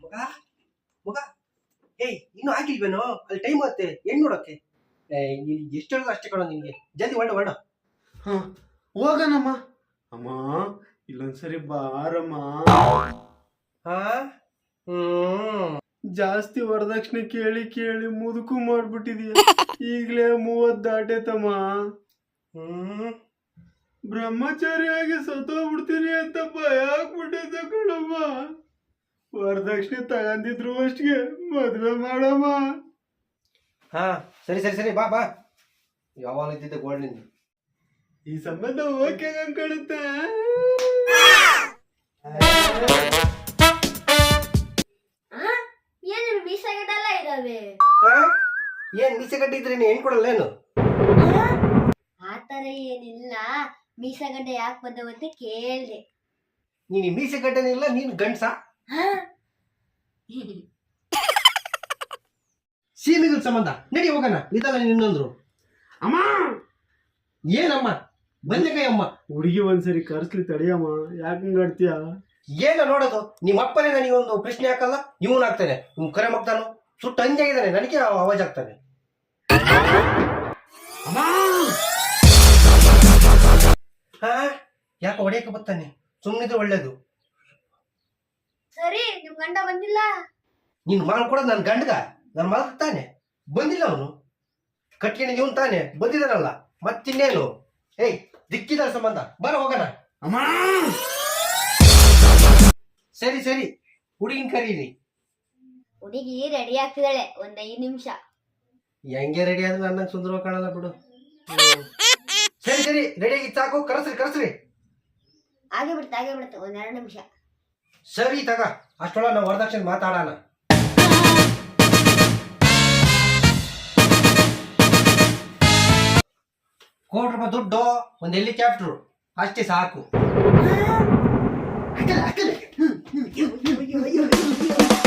ಮಗ ಮಗ ಏಯ್ ಇನ್ನು ಆಗಿಲ್ವೇನೋ ಅಲ್ಲಿ ಟೈಮ್ ಆಗುತ್ತೆ ಹೆಣ್ಣು ನೋಡಕ್ಕೆ ಎಷ್ಟು ಹೇಳೋದು ಅಷ್ಟೇ ಕಣೋ ನಿನ್ಗೆ ಜಲ್ದಿ ಹೊರಡು ಹಾ ಹೋಗನಮ್ಮ ಅಮ್ಮ ಇಲ್ಲೊಂದ್ಸರಿ ಬಾರಮ್ಮ. ಹಾ ಜಾಸ್ತಿ ವರದಕ್ಷಿಣೆ ಕೇಳಿ ಕೇಳಿ ಮುದುಕು ಮಾಡ್ಬಿಟ್ಟಿದೀಯ. ಈಗ್ಲೇ 30 ದಾಟೇತಮ್ಮ. ಬ್ರಹ್ಮಚಾರಿಯಾಗಿ ಸತ್ತೋಗ್ಬಿಡ್ತೀನಿ ಅಂತ ಭಯ ಆಗ್ಬಿಟ್ಟಿದ್ದೆ ಕಣಮ್ಮ. ವರದಕ್ಷಿಣೆ ತಗೊಂಡಿದ್ರು ಅಷ್ಟಿಗೆ ಮದ್ವೆ ಮಾಡಮ್ಮ. ಹಾ ಸರಿ ಸರಿ ಸರಿ ಬಾ ಬಾ ಯಾವಾಗ ಇದ್ದಿದ್ದೆ ಗೋಲ್ಡ್ ನಿಂದು ಈ ಸಂಬಂಧ ಓಕೆ ಕಾಣುತ್ತೆ. ಏನು ಮೀಸಗಡ್ಡೆಲ್ಲ ಇದಾವೆ? ಏನ್ ಮೀಸೆಗಡ್ಡೆ ಇದ್ರೆ ನೀನು ಹೆಣ್ ಕೊಡಲ್ಲೇನು? ಆತರ ಏನಿಲ್ಲ, ಮೀಸಗಡ್ಡೆ ಯಾಕೆ ಬಂದವು ಅಂತ ಕೇಳ್ದೆ. ನೀನು ಮೀಸೆಗಡ್ಡೆನೇ ಇಲ್ಲ, ನೀನು ಗಂಡ್ಸ? ಸೀಮಿಗಳ ಸಂಬಂಧ ನಡಿ ಹೋಗೋಣ. ಇದಲ್ಲ ಇನ್ನೊಂದ್ರು ಅಮ್ಮ ಏನಮ್ಮ ಬಂದೆ ಕೈ ಅಮ್ಮ. ಹುಡುಗಿ ಒಂದ್ಸರಿ ಕರ್ಸ್ಲಿ ತಡಿಯಮ್ಮ. ಯಾಕಂಗಾಡ್ತೀಯ? ಏನ ನೋಡೋದು, ನಿಮ್ಮ ಅಪ್ಪನೇ ನನಗೊಂದು ಪ್ರಶ್ನೆ ಹಾಕಲ್ಲ, ಇವನ್ ಆಗ್ತಾನೆ, ಇವ್ ಕರೆ ಮಗ್ತಾನು ಸುಟ್ಟು ಹಂಜಾಗಿದ್ದಾನೆ, ನನಗೆ ಅವಾಜ್ ಆಗ್ತಾನೆ. ಹಾ ಯಾಕೆ ಹೊಡೆಯಕ್ಕೆ ಬರ್ತಾನೆ? ಸುಮ್ಮನಿದ್ರೆ ಒಳ್ಳೇದು. ಸರಿ, ನಿಮ್ ಗಂಡ ಬಂದಿಲ್ಲ? ನೀನ್ ಮಾಡ್ಕೊಡೋದು ನನ್ನ ಗಂಡಗ, ನನ್ನ ಮಗ ತಾನೆ ಬಂದಿಲ್ಲ. ಅವನು ಕಟ್ಕೊಂಡು ಇವನ್ ತಾನೆ ಬಂದಿದ್ದಾನಲ್ಲ, ಮತ್ತಿನ್ನೇನು? ಏಯ್ ದಿಕ್ಕಿದ ಸಂಬಂಧ, ಬರ ಹೋಗೋಣ. ಅಮ್ಮ ಸರಿ ಸರಿ ಹುಡುಗಿನ ಕರೀರಿ. ಹುಡುಗಿ ರೆಡಿ ಆಗ್ತಿದ್ದಾಳೆ, ಒಂದ್ 5 ನಿಮಿಷ. ಹೆಂಗೆ ರೆಡಿ ಆದ್ರೆ ನನ್ನ ಸುಂದರವಾಗಿ ಕಾಣಲ್ಲ ಬಿಡು. ಸರಿ ಸರಿ ರೆಡಿ ಆಗಿ ಸಾಕು, ಕರೆಸ್ರಿ ಕರೆಸ್ರಿ. ಹಾಗೆ ಬಿಡುತ್ತೆ, ಒಂದ್ 2 ನಿಮಿಷ. ಸರಿ ತಗ, ಅಷ್ಟೊಳ ನಾವು ವರದಕ್ಷಿಣೆ ಮಾತಾಡೋಣ. ₹1 ದುಡ್ಡು, ಒಂದು ಹೆಲಿಕಾಪ್ಟರ್ ಅಷ್ಟೇ ಸಾಕು.